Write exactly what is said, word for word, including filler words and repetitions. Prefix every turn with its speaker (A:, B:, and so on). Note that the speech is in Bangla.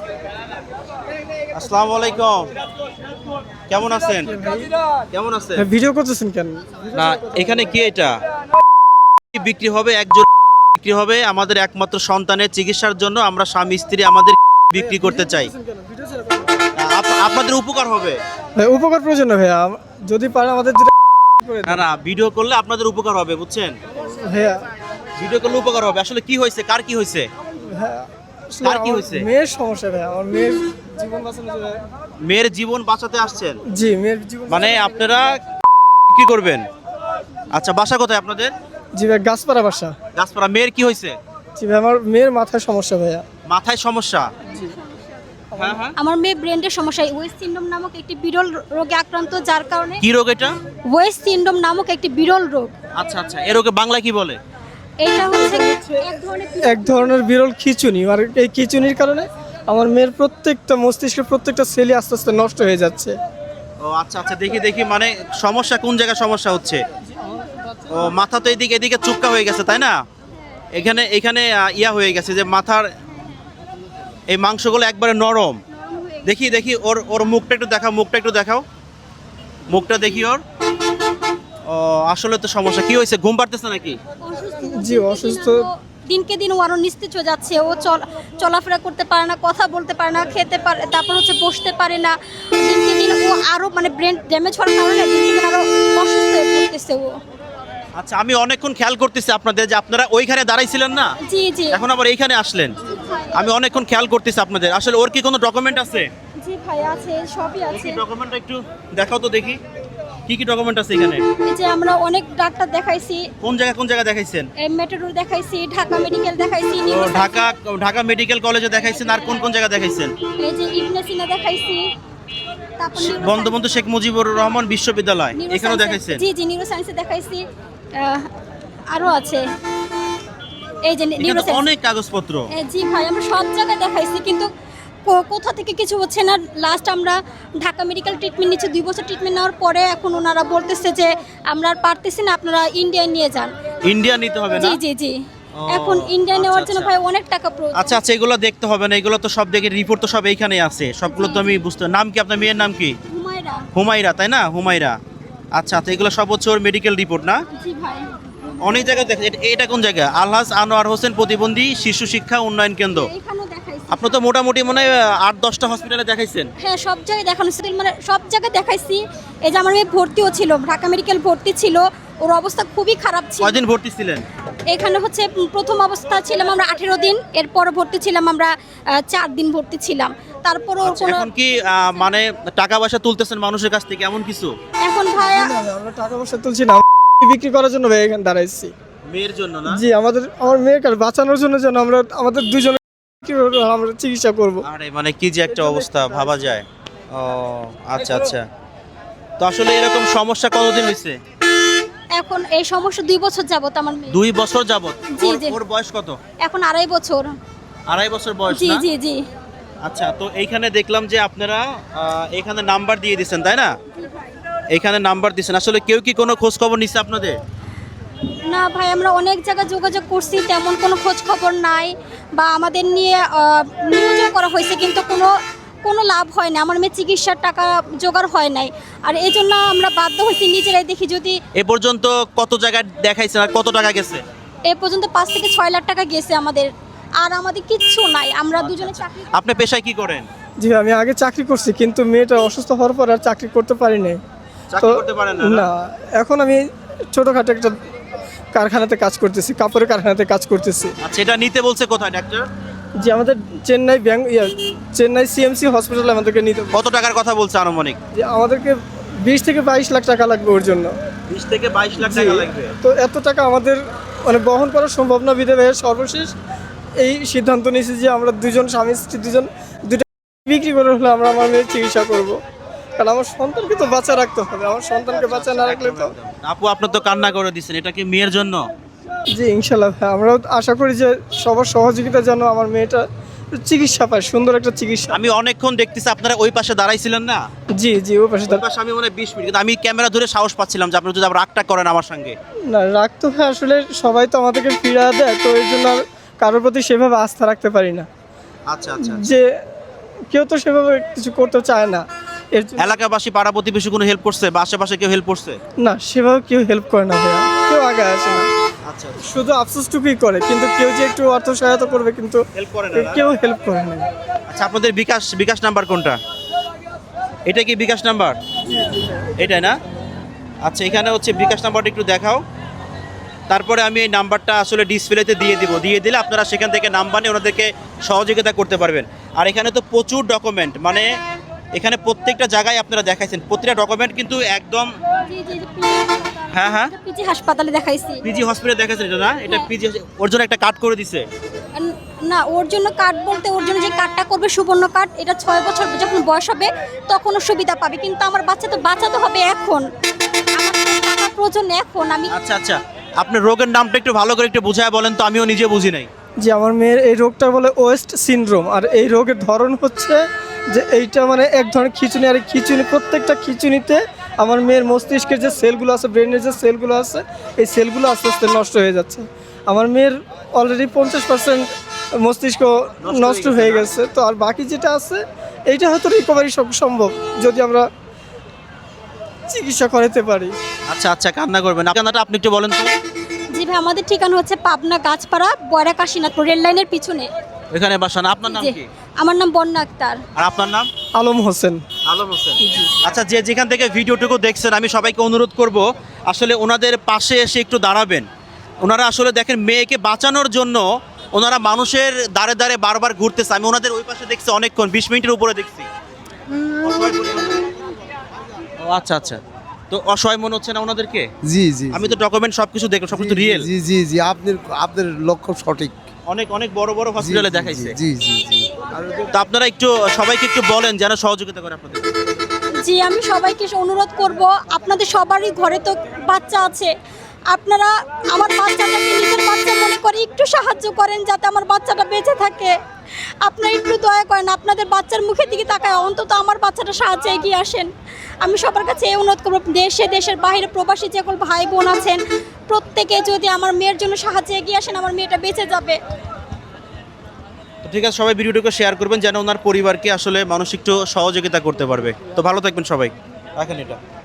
A: আসসালামু আলাইকুম, কেমন আছেন? কেমন আছেন?
B: ভিডিও করতেছেন কেন?
A: না, এখানে কি এটা বিক্রি হবে? একজন বিক্রি হবে আমাদের একমাত্র সন্তানের চিকিৎসার জন্য। আমরা স্বামী স্ত্রী আমাদের বিক্রি করতে চাই। আপ- আপনাদের উপকার হবে।
B: ভাই উপকার প্রয়োজন না ভাইয়া, যদি পারে আমাদের
A: না না, ভিডিও করলে আপনাদের উপকার হবে, বুঝছেন?
B: ভাইয়া
A: ভিডিও করলে উপকার হবে। আসলে কি হয়েছে, কার কি হয়েছে?
B: ভাইয়া, আসলে
A: কার কি
B: আমার
A: হয়েছে?
B: মেয়ের সমস্যা ভাইয়া, আমার মেয়ের জীবন বাঁচানো যাবে।
A: মেয়ের জীবন বাঁচাতে আসছেন?
B: জি, মেয়ের জীবন
A: মানে
B: বাঁচানো-
A: আপনারা কি করবেন? আচ্ছা, বাসা কোথায় আপনাদের?
B: জি ভাই, গাছপাড়া বাসা।
A: গাছপাড়া। মেয়ের কি হয়েছে?
B: জি ভাই, আমার মেয়ের মাথায় সমস্যা ভাইয়া।
A: মাথায় সমস্যা? হ্যাঁ হ্যাঁ।
C: আমার মেয়ে ব্রেনের সমস্যা, ওয়েস্ট সিন্ড্রোম নামক একটি বিরল রোগে আক্রান্ত, যার কারণে
A: কি রোগ এটা?
C: ওয়েস্ট সিন্ড্রোম নামক একটি বিরল রোগ।
A: আচ্ছা আচ্ছা, এর ওকে বাংলায় কি বলে?
C: এটা হচ্ছে এক ধরনের
B: এক ধরনের বিরল খিঁচুনি, আর এই খিঁচুনির কারণে আমার মেয়ের প্রত্যেকটা মস্তিষ্কের প্রত্যেকটা সেলই আস্তে আস্তে নষ্ট হয়ে যাচ্ছে।
A: ও আচ্ছা আচ্ছা, দেখি দেখি, মানে সমস্যা কোন জায়গায় সমস্যা হচ্ছে? ও মাথা তো এদিকে এদিকে চুপকা হয়ে গেছে, তাই না? এখানে এখানে আহ, ইয়া হয়ে গেছে যে মাথার এই মাংসগুলো একবারে নরম। দেখি দেখি ওর ওর মুখটা একটু দেখাও, মুখটা একটু দেখাও, মুখটা দেখি ওর। ও আসলে তো সমস্যা কি হয়েছে? ঘুম পাড়তেছে নাকি?
B: জি, অসুস্থ।
C: দিনকে দিন ও আরো নিস্তেজ হয়ে যাচ্ছে। ও চল চলাফেরা করতে পারে না, কথা বলতে পারে না, খেতে পারে, তারপর হচ্ছে বসতে পারে না। দিনকে দিন ও আরো মানে ব্রেন ড্যামেজ হওয়ার কারণে দিনকে দিন আরো অসুস্থ হয়ে পড়তেছে ও।
A: আচ্ছা, আমি অনেকক্ষণ খেয়াল করতেছি আপনাদের যে আপনারা ওইখানে দাঁড়াইছিলেন না,
C: জি জি
A: এখন আবার এইখানে আসলেন। আমি অনেকক্ষণ খেয়াল করতেছি আপনাদের। আসলে ওর কি কোনো ডকুমেন্ট আছে?
C: জি ভাই, আছে, সবই আছে।
A: ডকুমেন্টটা একটু দেখাও তো দেখি, কি কি ডকুমেন্ট আছে এখানে?
C: এই যে আমরা অনেক ডাক্তার দেখাইছি,
A: কোন জায়গা কোন জায়গা দেখাইছেন?
C: মেট্রোর দেখাইছি, ঢাকা মেডিকেল দেখাইছি,
A: ও,
C: নিউরো
A: ঢাকা ঢাকা মেডিকেল কলেজে দেখাইছেন। আর কোন কোন জায়গা দেখাইছেন?
C: এই যে ইবনে সিনা দেখাইছি, তারপর নিউরো
A: বঙ্গবন্ধু শেখ মুজিবুর রহমান বিশ্ববিদ্যালয়,
C: নিউরো
A: এখানেও
C: সায়েন্সে-
A: দেখাইছেন?
C: জি জি নিউরো সায়েন্সে দেখাইছি। আহ, আরো আছে এই যে
A: এখানে
C: নিউরো
A: তো
C: সায়েন্স।
A: অনেক কাগজপত্র।
C: জি ভাই, আমরা সব জায়গায় দেখাইছি, কিন্তু কো- কোথা থেকে কিছু হচ্ছে না। লাস্ট আমরা ঢাকা মেডিকেল ট্রিটমেন্ট নিচ্ছি, দুই বছর ট্রিটমেন্ট নেওয়ার পরে এখন ওনারা বলতেছে যে আমরা আর পারতেছি না, আপনারা ইন্ডিয়ায় নিয়ে যান।
A: ইন্ডিয়া নিতে হবে না?
C: জি জি জি
A: ও,
C: এখন ইন্ডিয়া
A: আচ্ছা,
C: নেওয়ার জন্য
A: আচ্ছা।
C: ভাই অনেক টাকা প্রয়োজন।
A: আচ্ছা আচ্ছা, এগুলো দেখতে হবে না, এগুলো তো সব দেখে রিপোর্ট তো সব এইখানেই আছে, সবগুলো তো আমি বুঝতে। নাম কি আপনার মেয়ের নাম কি?
C: হুমায়রা।
A: হুমায়রা, তাই না? হুমায়রা। আচ্ছা আচ্ছা, এগুলো সব হচ্ছে ওর মেডিকেল রিপোর্ট না?
C: জি ভাই।
A: অনেক জায়গায় দেখে। এটা- এটা কোন জায়গা? আলহাজ আনোয়ার হোসেন প্রতিবন্ধী শিশু শিক্ষা উন্নয়ন কেন্দ্র।
C: এখানেও দেখাইছি।
A: আপনি তো মোটামুটি মনে হয় আট দশটা হসপিটালে দেখাইছেন।
C: হ্যাঁ, সব জায়গায় দেখানো হয়েছে, মানে সব জায়গায় দেখাইছি। এই যে আমার মেয়ে ভর্তিও ছিল, ঢাকা মেডিকেল ভর্তি ছিল, ওর অবস্থা খুবই খারাপ ছিল।
A: কয়দিন ভর্তি ছিলেন?
C: এখানে হচ্ছে উম, প্রথম অবস্থা ছিলাম আমরা আঠেরো দিন, এরপর ভর্তি ছিলাম আমরা আহ, চার দিন ভর্তি ছিলাম। তারপর ওর
A: আচ্ছা,
C: কোনো
A: এখন কি আহ, মানে টাকা পয়সা তুলতেছেন মানুষের কাছ থেকে এমন কিছু?
C: এখন ভাই
B: না, না, আমরা টাকা পয়সা তুলছি না, বিক্রি করার জন্য ভাই এখানে দাঁড়াইছি।
A: মেয়ের জন্য না?
B: জি, আমাদের আমার মেয়েকে বাঁচানোর জন্য যেন আমরা আমাদের দুজনে কি করে আমরা চিকিৎসা করব।
A: আরে মানে কি যে একটা অবস্থা, ভাবা যায়। ও আচ্ছা আচ্ছা, তো আসলে এরকম সমস্যা কতদিন হয়েছে?
C: এখন এই সমস্যা দুই বছর যাবত আমার মেয়ে।
A: দুই বছর যাবত?
C: জি,
A: ওর-
C: জি।
A: ওর বয়স কত?
C: এখন আড়াই বছর।
A: আড়াই বছর বয়স
C: জি
A: না?
C: জি জি
A: আচ্ছা, তো এইখানে দেখলাম যে আপনারা আহ, এখানে নাম্বার দিয়ে দিচ্ছেন, তাই না? এখানে নাম্বার দিচ্ছেন। আসলে কেউ কি কোনো খোঁজ খবর নিচ্ছে আপনাদের?
C: না ভাই, আমরা অনেক জায়গায় যোগাযোগ করছি, তেমন কোনো খোঁজ খবর নাই, বা আমাদের নিয়ে আহ, নিয়োজন করা হয়েছে, কিন্তু কোনো কোনো লাভ হয় না। আমার মেয়ে চিকিৎসার টাকা জোগাড় হয় নাই, আর এই জন্য আমরা বাধ্য হয়েছি নিজেরাই দেখি যদি।
A: এ পর্যন্ত কত জায়গায় দেখাইছেন আর কত টাকা গেছে?
C: এ পর্যন্ত পাঁচ থেকে ছয় লাখ টাকা গেছে আমাদের, আর আমাদের কিচ্ছু নাই। আমরা দুজনে চাকরি করি।
A: আপনি পেশায় কি করেন?
B: জি, আমি আগে চাকরি করছি, কিন্তু মেয়েটা অসুস্থ হওয়ার পর আর চাকরি করতে পারি নাই।
A: চাকরি করতে পারেন না?
B: না, এখন আমি ছোটখাটো একটা কারখানাতে কাজ করতেছি, কাপড়ের কারখানাতে কাজ করতেছি।
A: আচ্ছা, এটা নিতে বলছে কোথায় ডাক্তার?
B: যে আমাদের চেন্নাই ব্যাংক ইয়া চেন্নাই সিএমসি হসপিটালে আমাদেরকে নিতে,
A: কত টাকার কথা বলছে আনুমানিক?
B: যে আমাদেরকে বিশ থেকে বাইশ লাখ টাকা লাগবে ওর জন্য।
A: বিশ থেকে বাইশ লাখ
B: জি,
A: টাকা লাগবে?
B: তো এত টাকা আমাদের মানে বহন করা সম্ভব না, বিধে ভাইয়ের সর্বশেষ এই সিদ্ধান্ত নিয়েছি যে আমরা দুজন স্বামী স্ত্রী দুজন দুটো বিক্রি করে হলে আমরা আমার মেয়ের চিকিৎসা করব, কারণ আমার সন্তানকে তো বাঁচা রাখতে হবে। আমার সন্তানকে বাঁচা না রাখলে তো।
A: আপু, আপনার তো কান্না করে দিচ্ছেন, এটা কি মেয়ের জন্য?
B: জি, ইনশাল্লাহ ভাই, আমরাও আশা করি যে সবার সহযোগিতা যেন আমার মেয়েটা চিকিৎসা পায়, সুন্দর একটা চিকিৎসা।
A: আমি অনেকক্ষণ দেখতেছি আপনারা ওই পাশে দাঁড়াইছিলেন না?
B: জি জি, ও পাশে
A: ওই
B: দাঁড়া-
A: পাশে আমি মনে হয় বিশ মিনিট, কিন্তু আমি ক্যামেরা ধরে সাহস পাচ্ছিলাম যে আপনারা যদি আবার রাগটা করেন আমার সঙ্গে।
B: না, রাখতে হয়, আসলে সবাই তো আমাদেরকে ফিরা দেয়, তো এর জন্য আর কারোর প্রতি সেভাবে আস্থা রাখতে পারি না।
A: আচ্ছা আচ্ছা,
B: যে কেউ তো সেভাবে কিছু করতে চায় না, এর জন্য
A: এলাকাবাসী পাড়া প্রতিবেশী কোনো হেল্প করছে বা আশেপাশে কেউ হেল্প করছে?
B: না সেভাবে কেউ হেল্প করে না ভাইয়া, কেউ আগে আসে না,
A: আচ্ছা,
B: শুধু আফসোসটুকুই করে, কিন্তু কেউ যে একটু অর্থ সহায়তা করবে কিন্তু
A: হেল্প করে না?
B: কেউ হেল্প করে না।
A: আচ্ছা, আপনাদের বিকাশ বিকাশ নাম্বার কোনটা? এটা কি বিকাশ নাম্বার? এটাই না? আচ্ছা, এখানে হচ্ছে বিকাশ নাম্বারটা একটু দেখাও। তারপরে আমি এই নাম্বারটা আসলে ডিসপ্লেতে দিয়ে দিব, দিয়ে দিলে আপনারা সেখান থেকে নাম্বার নিয়ে ওনাদেরকে সহযোগিতা করতে পারবেন। আর এখানে তো প্রচুর ডকুমেন্ট, মানে এখানে প্রত্যেকটা জায়গায় আপনারা দেখাইছেন, প্রত্যেকটা ডকুমেন্ট কিন্তু একদম।
C: জি জি
A: হ্যাঁ হ্যাঁ,
C: পিজি হাসপাতালে দেখাইছি।
A: পিজি হসপিটালে দেখাইছেন এটা না? এটা
C: হ্যাঁ।
A: পিজি, ওর জন্য একটা কার্ড করে দিছে।
C: না, ওর জন্য কার্ড বলতে ওর জন্য যে কার্ডটা করবে সুবর্ণ কার্ড, এটা ছয় বছর যখন বয়স হবে তখন ও সুবিধা পাবে, কিন্তু আমার বাচ্চা তো বাঁচাতে হবে এখন, আমার তো টাকা প্রয়োজন এখন। আমি
A: আচ্ছা আচ্ছা, আপনার রোগের নামটা একটু ভালো করে একটু বুঝায় বলেন তো, আমিও নিজে বুঝি নাই।
B: যে আমার মেয়ের এই রোগটা বলে ওয়েস্ট সিনড্রোম, আর এই রোগের ধরন হচ্ছে যে এইটা মানে এক ধরনের খিঁচুনি, আর এই খিঁচুনি প্রত্যেকটা খিঁচুনিতে আমার মেয়ের মস্তিষ্কের যে সেলগুলো আছে, ব্রেনের যে সেলগুলো আছে, এই সেলগুলো আস্তে আস্তে নষ্ট হয়ে যাচ্ছে। আমার মেয়ের অলরেডি পঞ্চাশ পার্সেন্ট মস্তিষ্ক নষ্ট হয়ে গেছে, তো আর বাকি যেটা আছে এইটা হয়তো রিকভারি সব সম্ভব যদি আমরা চিকিৎসা করাতে পারি।
A: আচ্ছা আচ্ছা, কান্না করবেন না। কান্নাটা আপনি একটু বলেন তো।
C: জি ভাই, আমাদের ঠিকানা হচ্ছে পাবনা গাছপাড়া বয়রা কাশীনাথপুর রেল লাইনের পিছনে।
A: এখানে বাসা না? আপনার নাম
C: জি,
A: কি?
C: আমার নাম বন্যা আক্তার।
A: আর আপনার নাম?
B: আলম হোসেন।
A: আলম হোসেন। আচ্ছা, যে যেখান থেকে ভিডিওটুকু দেখছেন, আমি সবাইকে অনুরোধ করব আসলে ওনাদের পাশে এসে একটু দাঁড়াবেন। ওনারা আসলে দেখেন মেয়েকে বাঁচানোর জন্য ওনারা মানুষের দাঁড়ে দাঁড়ে বারবার ঘুরতেছে। আমি ওনাদের ওই পাশে দেখছি অনেকক্ষণ, বিশ মিনিটের উপরে দেখছি। ও আচ্ছা আচ্ছা, তো অসহায় মনে হচ্ছে না ওনাদেরকে?
D: জি জি
A: আমি তো ডকুমেন্ট সবকিছু দেখলাম, সবকিছু রিয়েল।
D: জি জি জি আপনার আপনার লক্ষ্য সঠিক।
A: অনেক অনেক বড় বড়
D: জি,
A: হসপিটালে
D: জি,
A: দেখাইছে।
D: জি জি জি
A: তো আপনারা একটু সবাইকে একটু বলেন যেন সহযোগিতা করে আপনাদের।
C: জি, আমি সবাইকে অনুরোধ করব, আপনাদের সবারই ঘরে তো বাচ্চা আছে, আপনারা আমার বাচ্চাটাকে নিজের বাচ্চা মনে করে একটু সাহায্য করেন যাতে আমার বাচ্চাটা বেঁচে থাকে। আপনারা একটু দয়া করেন, আপনাদের বাচ্চার মুখের দিকে তাকায় অন্তত আমার বাচ্চাটা সাহায্যে এগিয়ে আসেন। আমি সবার কাছে এই অনুরোধ করব, দেশে দেশের বাইরে প্রবাসী যে সকল ভাই বোন আছেন প্রত্যেকে যদি আমার মেয়ের জন্য সাহায্যে এগিয়ে আসেন, আমার মেয়েটা বেঁচে যাবে।
A: তো ঠিক আছে, সবাই ভিডিওটাকে শেয়ার করবেন যেন ওনার পরিবারকে আসলে মানুষ একটু সহযোগিতা করতে পারবে। তো ভালো থাকবেন সবাই, রাখেন এটা।